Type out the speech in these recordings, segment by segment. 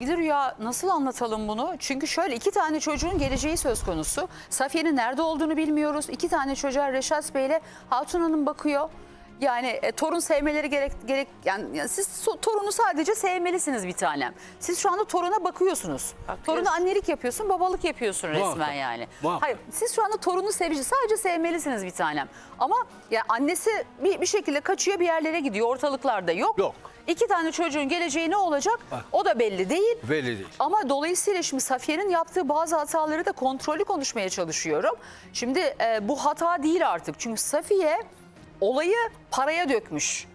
Bir de Rüya, nasıl anlatalım bunu? Çünkü şöyle, 2 tane çocuğun geleceği söz konusu. Safiye'nin nerede olduğunu bilmiyoruz. 2 tane çocuğa Reşat Bey ile Hatun Hanım bakıyor. Yani torun sevmeleri yani siz torunu sadece sevmelisiniz bir tanem. Siz şu anda toruna bakıyorsunuz. Toruna annelik yapıyorsun, babalık yapıyorsun resmen yani. Hayır, siz şu anda torunu sadece sevmelisiniz bir tanem. Ama ya annesi bir şekilde kaçıyor, bir yerlere gidiyor, ortalıklarda yok. Yok. 2 tane çocuğun geleceği ne olacak? O da belli değil. Belli değil. Ama dolayısıyla şimdi Safiye'nin yaptığı bazı hataları da kontrollü konuşmaya çalışıyorum. Şimdi bu hata değil artık. Çünkü Safiye olayı paraya dökmüş.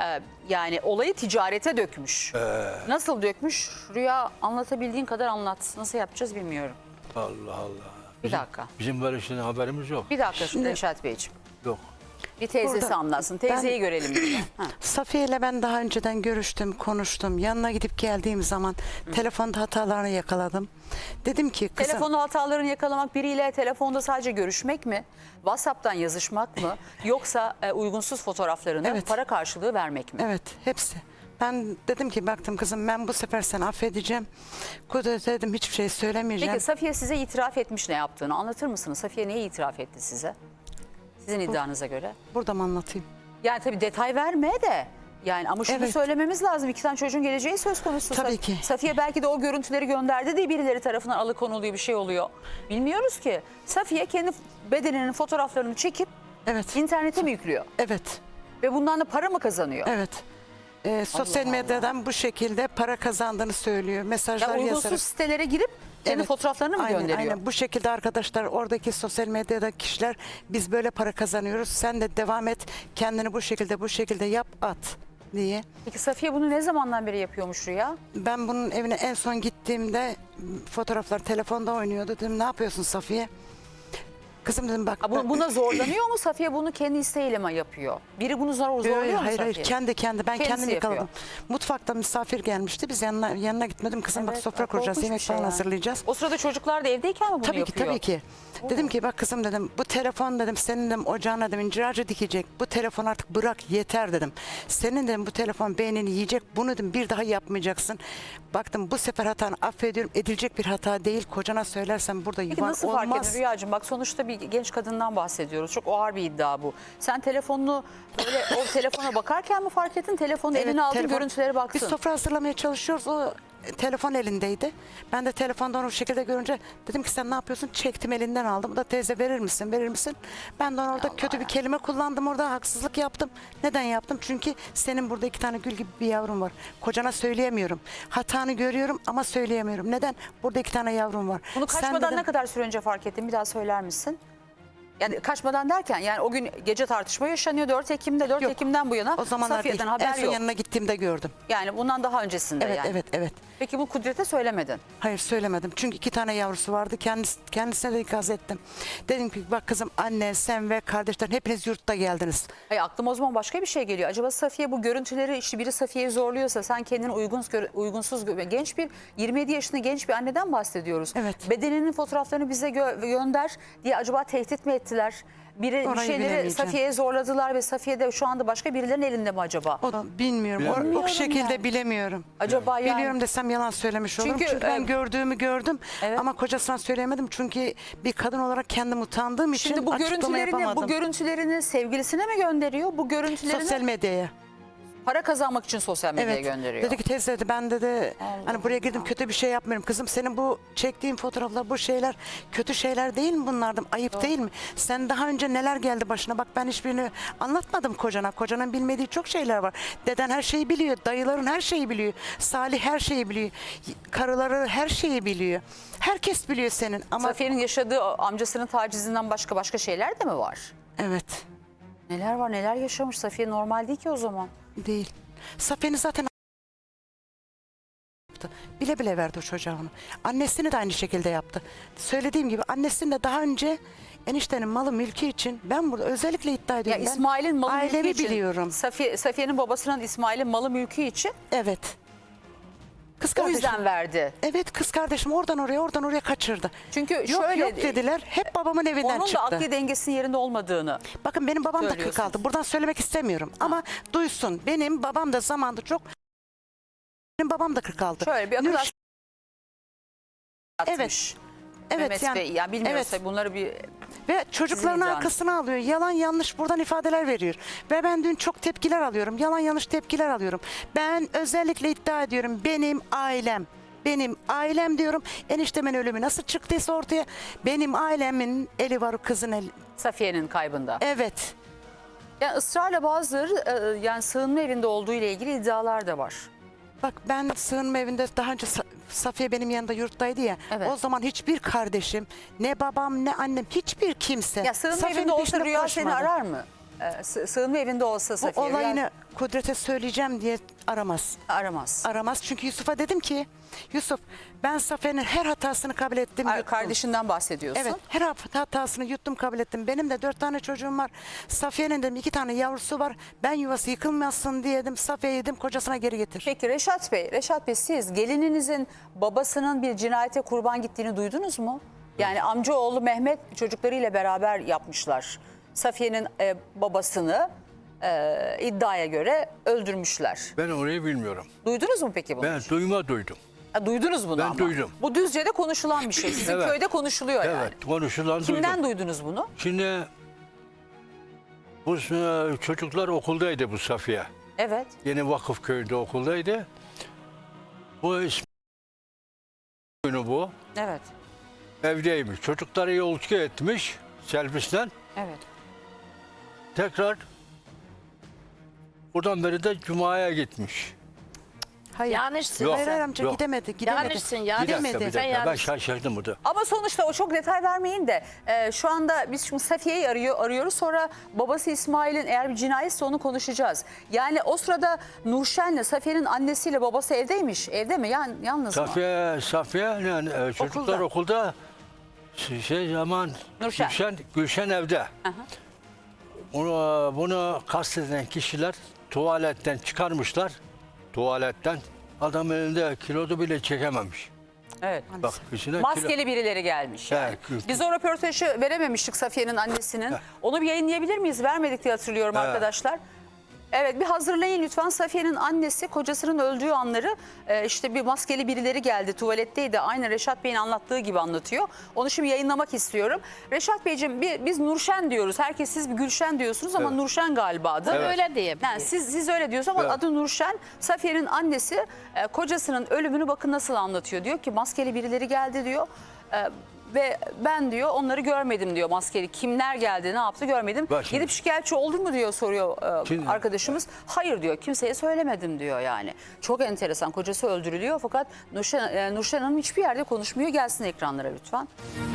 Yani olayı ticarete dökmüş. Nasıl dökmüş? Rüya, anlatabildiğin kadar anlat. Nasıl yapacağız bilmiyorum. Allah Allah. Bir dakika. Bizim böyle şeyden haberimiz yok. Bir dakika Reşat Beyciğim. Yok. Bir teyzesi Burada anlatsın. Teyzeyi görelim. Safiye ile ben daha önceden görüştüm, konuştum. Yanına gidip geldiğim zaman telefonda hatalarını yakaladım. Dedim ki kızım... Telefonu hatalarını yakalamak, biriyle telefonda sadece görüşmek mi? WhatsApp'tan yazışmak mı? Yoksa uygunsuz fotoğraflarını para karşılığı vermek mi? Evet, hepsi. Ben dedim ki baktım kızım, ben bu sefer seni affedeceğim. Kudret dedim, hiçbir şey söylemeyeceğim. Peki Safiye size itiraf etmiş ne yaptığını anlatır mısınız? Safiye neyi itiraf etti size? Sizin iddianıza göre. Burada mı anlatayım? Yani tabii detay verme de. Yani ama şunu söylememiz lazım. 2 tane çocuğun geleceği söz konusu. Tabii ki. Safiye belki de o görüntüleri gönderdi diye birileri tarafından alıkonuluyor, bir şey oluyor. Bilmiyoruz ki. Safiye kendi bedeninin fotoğraflarını çekip internete mi yüklüyor? Evet. Ve bundan da para mı kazanıyor? Evet. Sosyal medyadan bu şekilde para kazandığını söylüyor. Mesajlar ya uygunsuz yazarak. sitelere girip kendi fotoğraflarını mı gönderiyor? Aynen bu şekilde arkadaşlar, oradaki sosyal medyadaki kişiler, biz böyle para kazanıyoruz. Sen de devam et, kendini bu şekilde yap, at diye. Peki Safiye bunu ne zamandan beri yapıyormuş Rüya? Ben bunun evine en son gittiğimde fotoğraflar telefonda oynuyordu. Dedim ne yapıyorsun Safiye? Kızım dedim bak. Buna zorlanıyor mu Safiye, bunu kendi isteğiyle mi yapıyor? Biri bunu zorluyor mu hayır, Safiye? Hayır, kendi. Ben kendim yakaladım. Yapıyor. Mutfakta misafir gelmişti. Biz yanına gitmedim. Kızım bak, sofra kuracağız, yemek falan hazırlayacağız. O sırada çocuklar da evdeyken mi bunu yapıyor? Tabii ki. Dedim ki bak kızım dedim, bu telefon dedim senin dedim ocağına dedim incir ağacı dikecek. Bu telefon artık bırak, yeter dedim. Senin dedim bu telefon beynini yiyecek. Bunu dedim bir daha yapmayacaksın. Baktım bu sefer hatanı affediyorum. Edilecek bir hata değil. Kocana söylersen burada yuvan olmaz. Peki nasıl fark edin Rüyacığım? Bak sonuçta bir genç kadından bahsediyoruz. Çok ağır bir iddia bu. Sen telefonunu böyle o telefona bakarken mi fark ettin? Telefonu eline aldın, görüntülere baktın. Biz sofra hazırlamaya çalışıyoruz. O telefon elindeydi. Ben de telefondan o şekilde görünce dedim ki sen ne yapıyorsun? Çektim, elinden aldım. Da teyze verir misin? Ben de orada kötü bir kelime kullandım. Orada haksızlık yaptım. Neden yaptım? Çünkü senin burada 2 tane gül gibi bir yavrum var. Kocana söyleyemiyorum. Hatanı görüyorum ama söyleyemiyorum. Neden? Burada 2 tane yavrum var. Bunu kaçmadan ne kadar süre önce fark ettin? Bir daha söyler misin? Yani kaçmadan derken, yani o gün gece tartışma yaşanıyor 4 Ekim'de. 4 Ekim'den bu yana o zamanlar Safiye'den değil. haber En son yok. yanına gittiğimde gördüm. Yani bundan daha öncesinde yani. Evet. Peki bu Kudret'e söylemedin? Hayır, söylemedim. Çünkü 2 tane yavrusu vardı. Kendisine de ikaz ettim. Dedim ki bak kızım, anne, sen ve kardeşlerin hepiniz yurtta geldiniz. Hayır, aklıma o zaman başka bir şey geliyor. Acaba Safiye bu görüntüleri, işte biri Safiye'yi zorluyorsa, sen kendini uygunsuz genç bir 27 yaşında genç bir anneden bahsediyoruz. Evet. Bedeninin fotoğraflarını bize gönder diye acaba tehdit mi ettiler? Bir şeyleri Safiye'ye zorladılar ve Safiye de şu anda başka birilerinin elinde mi acaba? Bilmiyorum. O şekilde bilemiyorum. Acaba yani... Biliyorum desem yalan söylemiş olurum. Çünkü ben gördüğümü gördüm ama kocasına söyleyemedim. Çünkü bir kadın olarak kendim utandığım için şimdi bu görüntülerini sevgilisine mi gönderiyor? Bu görüntülerini sosyal medyaya. Para kazanmak için sosyal medyaya gönderiyor. Dedi ki teyze dedi, ben dedi hani buraya girdim, kötü bir şey yapmıyorum. Kızım senin bu çektiğin fotoğraflar, bu şeyler kötü şeyler değil mi bunlardım? Ayıp değil mi? Sen daha önce neler geldi başına? Bak ben hiçbirini anlatmadım kocana. Kocanın bilmediği çok şeyler var. Deden her şeyi biliyor. Dayıların her şeyi biliyor. Salih her şeyi biliyor. Karıları her şeyi biliyor. Herkes biliyor senin. Ama Safiye'nin yaşadığı amcasının tacizinden başka şeyler de mi var? Evet. Neler var, neler yaşamış Safiye, normal değil ki o zaman. Değil. Safiye'ni zaten bile bile verdi o çocuğa onu. Annesini de aynı şekilde yaptı. Söylediğim gibi annesini de daha önce eniştenin malı mülkü için, ben burada özellikle iddia ediyorum. Ya İsmail'in malı mülkü ailemi için. biliyorum. Safiye'nin babasının İsmail'in malı mülkü için. Evet. Kız O kardeşim. yüzden verdi. Evet, kız kardeşim oradan oraya kaçırdı. Çünkü yok dediler. Hep babamın evinden çıktı. Onun da akli dengesinin yerinde olmadığını. Bakın benim babam da 46. Buradan söylemek istemiyorum. Ama duysun. Benim babam da zamanında çok... Benim babam da 46. Şöyle bir akıl atmış. Evet Mehmet yani. Bey, yani bilmiyoruz evet. tabii bunları bir... Ve çocukların Sizin arkasına alıyor. Yalan yanlış buradan ifadeler veriyor. Ve ben dün çok tepkiler alıyorum. Yalan yanlış tepkiler alıyorum. Ben özellikle iddia ediyorum. Benim ailem diyorum. Eniştemin ölümü nasıl çıktıysa ortaya. Benim ailemin eli var, o kızın eli. Safiye'nin kaybında. Evet. Yani ısrarla bazıları yani sığınma evinde olduğu ile ilgili iddialar da var. Bak ben sığınma evinde daha önce Safiye benim yanında yurttaydı ya. Evet. O zaman hiçbir kardeşim, ne babam, ne annem, hiçbir kimse. Ya sığınma Safiye'nin evinde olsa peşine Rüya seni koşmadı. arar mı? Sığınma evinde olsa Bu Safiye olayını Rüya Kudret'e söyleyeceğim diye aramaz. aramaz. Aramaz çünkü Yusuf'a dedim ki Yusuf ben Safiye'nin her hatasını kabul ettim. yuttum. Kardeşinden bahsediyorsun. Evet, her hatasını yuttum, kabul ettim. Benim de 4 tane çocuğum var. Safiye'nin de 2 tane yavrusu var. Ben yuvası yıkılmasın diye dedim. Safiye'yi dedim kocasına geri getir. Peki Reşat Bey siz gelininizin babasının bir cinayete kurban gittiğini duydunuz mu? Yani amcaoğlu Mehmet çocuklarıyla beraber yapmışlar. Safiye'nin babasını iddiaya göre öldürmüşler. Ben orayı bilmiyorum. Duydunuz mu peki bunu? Ben duydum. Ha, duydunuz bunu Ben ama. duydum. Bu Düzce'de konuşulan bir şey. Sizin Evet. köyde konuşuluyor yani. Evet, konuşulan Kimden duydum. duydunuz bunu? Şimdi bu çocuklar okuldaydı bu Safiye. Evet. Yeni Vakıfköy'de okuldaydı. Bu günü bu. Evet. Evdeymiş. Çocukları yolcu etmiş servisten. Evet. Tekrar buradan beri de Cuma'ya gitmiş. Hayır. Yanlışsın. Yok. Hayır amca Yok. gidemedi. Yanlışsın, Bir yanlış. dakika, Gidemedi. bir Sen dakika. Ben yanlış. şaşırdım burada. Ama sonuçta o çok detay vermeyin de şu anda biz şimdi Safiye'yi arıyoruz. Sonra babası İsmail'in eğer bir cinayetse onu konuşacağız. Yani o sırada Nurşen'le Safiye'nin annesiyle babası evdeymiş. Evde mi? Yani yalnız mı? Safiye yani çocuklar okulda zaman Nurşen. Gülşen evde. Bunu kasteden kişiler tuvaletten çıkarmışlar. Tuvaletten adam elinde kilodu bile çekememiş. Evet. Bak içine Maskeli birileri gelmiş yani. Evet. Biz o röportajı verememiştik Safiye'nin annesinin. Onu bir yayınlayabilir miyiz? Vermedik diye hatırlıyorum Evet. arkadaşlar. Evet bir hazırlayın lütfen. Safiye'nin annesi kocasının öldüğü anları işte bir maskeli birileri geldi tuvaletteydi. Aynı Reşat Bey'in anlattığı gibi anlatıyor. Onu şimdi yayınlamak istiyorum. Reşat Beyciğim biz Nurşen diyoruz. Herkes siz bir Gülşen diyorsunuz ama Evet. Nurşen galiba adı. Evet. Öyle diyebiliriz. Yani siz öyle diyorsunuz ama Evet. adı Nurşen. Safiye'nin annesi kocasının ölümünü bakın nasıl anlatıyor. Diyor ki maskeli birileri geldi diyor. Ve ben diyor onları görmedim diyor maskeli. Kimler geldi ne yaptı görmedim. Bak şimdi. Gidip şikayetçi oldun mu diyor soruyor Şimdi. arkadaşımız. Hayır diyor kimseye söylemedim diyor yani. Çok enteresan kocası öldürülüyor fakat Nurşen Hanım hiçbir yerde konuşmuyor. Gelsin ekranlara lütfen.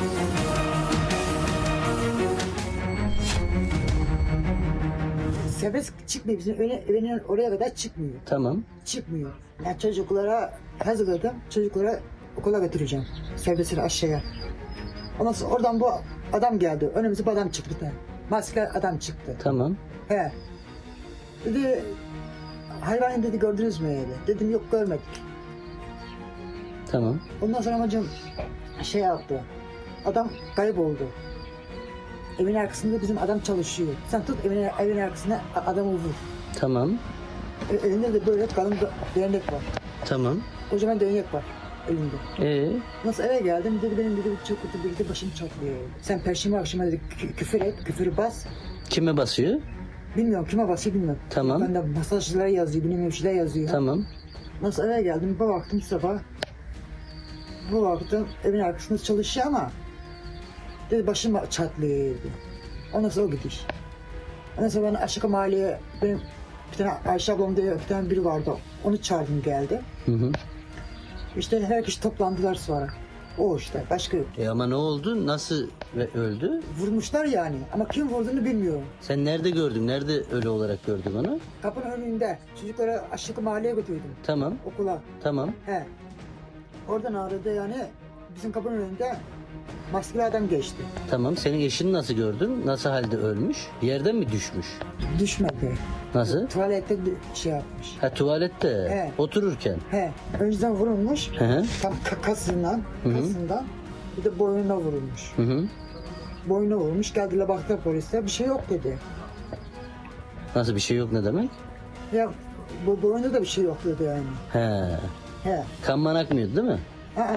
Serbest çıkmıyor bizim evinin oraya kadar çıkmıyor. Tamam. Çıkmıyor. Yani çocuklara hazırladım. Çocuklara okula götüreceğim. Serbestleri aşağıya. Ondan sonra oradan bu adam geldi. Önümüze bir adam çıktı. Bir tane. Maskeli adam çıktı. Tamam. He. Dedi hayvanı dedi gördünüz mü öyle? Dedim yok görmedik. Tamam. Ondan sonra amacım şey yaptı. Adam kayboldu. Evin arkasında bizim adam çalışıyor. Sen tut evin arkasına adamı vur. Tamam. Elinde de böyle kalın değnek var. Tamam. Kocaman değnek var elinde. Nasıl eve geldim dedi benim dedi çok kötü bir de başım çatlıyor. Sen perşembe akşama dedi küfür et, küfürü bas. Kime basıyor? Bilmiyorum kime basıyor bilmiyorum. Tamam. Ben de masajcılara yazıyor, bilmiyorum şeyler yazıyor. Tamam. Nasıl eve geldim bir baktım sabah. Bu baktım evin arkasında çalışıyor ama dedi başım çatlıyor dedi. Ondan sonra o gidiş. Ondan sonra ben aşağı mahalleye benim bir tane Ayşe ablam diye bir tane biri vardı. Onu çağırdım geldi. Hı hı. İşte herkes toplandılar sonra. O işte başka yok. Ama ne oldu? Nasıl öldü? Vurmuşlar yani ama kim vurduğunu bilmiyorum. Sen nerede gördün? Nerede ölü olarak gördün onu? Kapının önünde çocukları aşağı mahalleye götürdüm Tamam. okula. Tamam. He. Oradan aradı yani bizim kapının önünde maskeli adam geçti. Tamam. Senin eşini nasıl gördün? Nasıl halde ölmüş? Bir yerden mi düşmüş? Düşmedi. Nasıl? Tuvalette şey yapmış. Ha tuvalette. Evet. Otururken. He. Önceden vurulmuş. Hı hı. Tam kasından bir de boynuna vurulmuş. Hı hı. Boynuna vurmuş. Geldiler baktılar polise. Bir şey yok dedi. Nasıl bir şey yok ne demek? Ya bu boynunda da bir şey yok dedi yani. He. He. Kan man akmıyordu değil mi? Aa.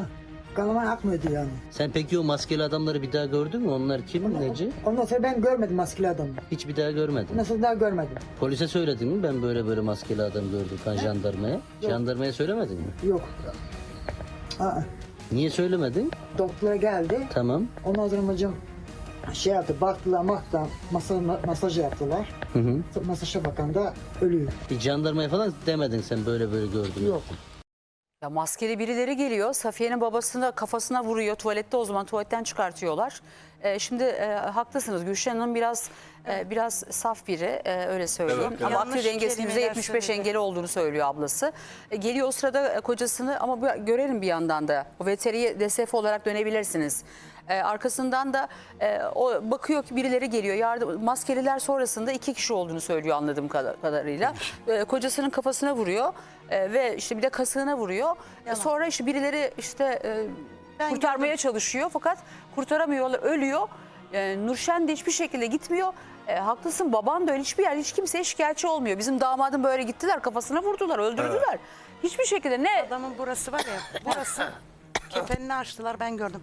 Kanıma akmıyordu yani. Sen peki o maskeli adamları bir daha gördün mü? Onlar kim Neci? Ondan sonra ben görmedim maskeli adamı. Hiç bir daha görmedin. Ondan sonra daha görmedim. Polise söyledin mi? Ben böyle maskeli adam gördüm falan jandarmaya. Jandarmaya söylemedin mi? Yok. Aa, Niye söylemedin? doktora geldi. Tamam. Ondan sonra hocam şey yaptı, baktılar, masaj yaptılar. Hı hı. Masaja bakan da ölüyor. Hiç jandarmaya falan demedin sen böyle gördün. Yok. Ya maskeli birileri geliyor. Safiye'nin babasını kafasına vuruyor. Tuvalette, o zaman tuvaletten çıkartıyorlar. Şimdi haklısınız. Gülşen Hanım biraz saf biri, öyle söyleyeyim. Evet, Ama Yanlış akli dengesinin kelimeler %75 söyledi. engeli olduğunu söylüyor ablası. Geliyor o sırada kocasını, ama görelim bir yandan da. O veteriye DSF olarak dönebilirsiniz. Arkasından da o bakıyor ki birileri geliyor. Maskeliler sonrasında 2 kişi olduğunu söylüyor anladığım kadarıyla. Kocasının kafasına vuruyor ve işte bir de kasığına vuruyor. Sonra işte birileri Ben kurtarmaya çalışıyor fakat kurtaramıyorlar, ölüyor. Nurşen de hiçbir şekilde gitmiyor. Haklısın, baban da öyle, hiçbir yer, hiç kimseye şikayetçi olmuyor. Bizim damadın böyle gittiler, kafasına vurdular, öldürdüler. Hiçbir şekilde ne Adamın burası var ya, burası kefenini açtılar, ben gördüm.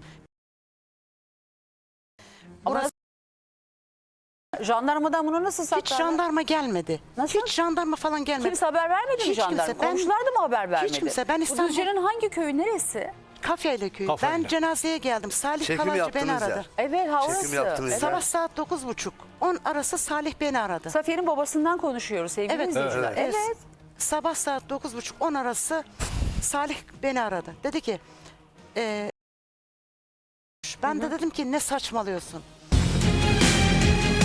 ama jandarmadan bunu nasıl Hiç saklar? jandarma gelmedi. Nasıl? Hiç jandarma falan gelmedi. Kimse haber vermedi mi Hiç jandarma? kimse, ben- Komşular da mı haber vermedi? Hiç kimse, ben Bu İstanbul- Düzce'nin hangi köyü, neresi? Kafeyle köyü. Kafeyle. Ben cenazeye geldim. Salih Çekim Kalancı beni yaptığınız aradı. yer. Evet, ha, Çekim orası. yaptığınız yer. Sabah saat 9.30. 10 arası Salih beni aradı. Safiye'nin babasından konuşuyoruz sevgili Evet. izleyiciler. Evet. Evet. Sabah saat 9.30-10 arası Salih beni aradı. Dedi ki ben de dedim ki ne saçmalıyorsun?